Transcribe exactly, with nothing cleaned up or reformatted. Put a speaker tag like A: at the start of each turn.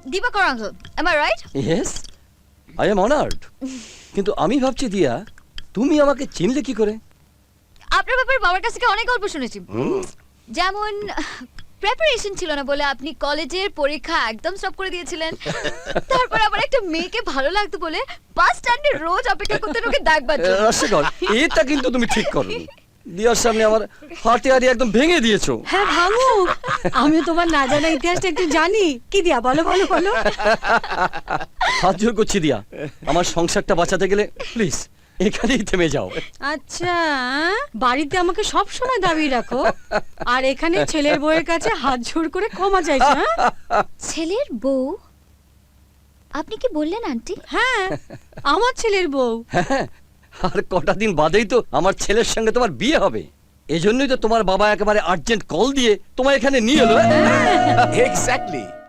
A: Dibakar uncle, am I right?
B: Yes, I am honoured. কিন্তু আমি ভাবছি দিয়া, তুমি আমাকে চিনলে কি করে?
A: আপনার ব্যাপারে বাবার কাছ থেকে অনেক গল্প শুনেছি। যেমন প্রিপারেশন ছিল না বলে আপনি কলেজের পরীক্ষা একদম স্টপ করে দিয়েছিলেন। তারপর আবার একটা মেয়েকে ভালো লাগতো বলে বাস স্ট্যান্ডে রোজ অপেক্ষা করতেন ওকে দেখবার জন্য।
B: রসগোল, এটা কিন্তু তুমি ঠিক করো। দিয়ার সামনে আমার হাতে হাড়ি একদম ভেঙে দিয়েছো।
C: হ্যাঁ ভাঙু, আমিও তোমার না জানা ইতিহাসটা একটু জানি। কি দিয়া বলো বলো বলো।
B: হাত জোর করছি দিয়া, আমার সংসারটা বাঁচাতে গেলে প্লিজ এখানেই থেমে যাও।
C: আচ্ছা, বাড়িতে আমাকে সব সময় দাবি রাখো, আর এখানে ছেলের বউয়ের কাছে হাত জোড় করে ক্ষমা চাইছো। হ্যাঁ?
A: ছেলের বউ? আপনি কি বললেন আন্টি?
C: হ্যাঁ, আমার ছেলের বউ।
B: হ্যাঁ, আর কটা দিন বাদেই তো আমার ছেলের সঙ্গে তোমার বিয়ে হবে। এজন্যই তো তোমার বাবা একেবারে আর্জেন্ট কল দিয়ে তোমার এখানে নিয়ে এলো।
D: এক্স্যাক্টলি।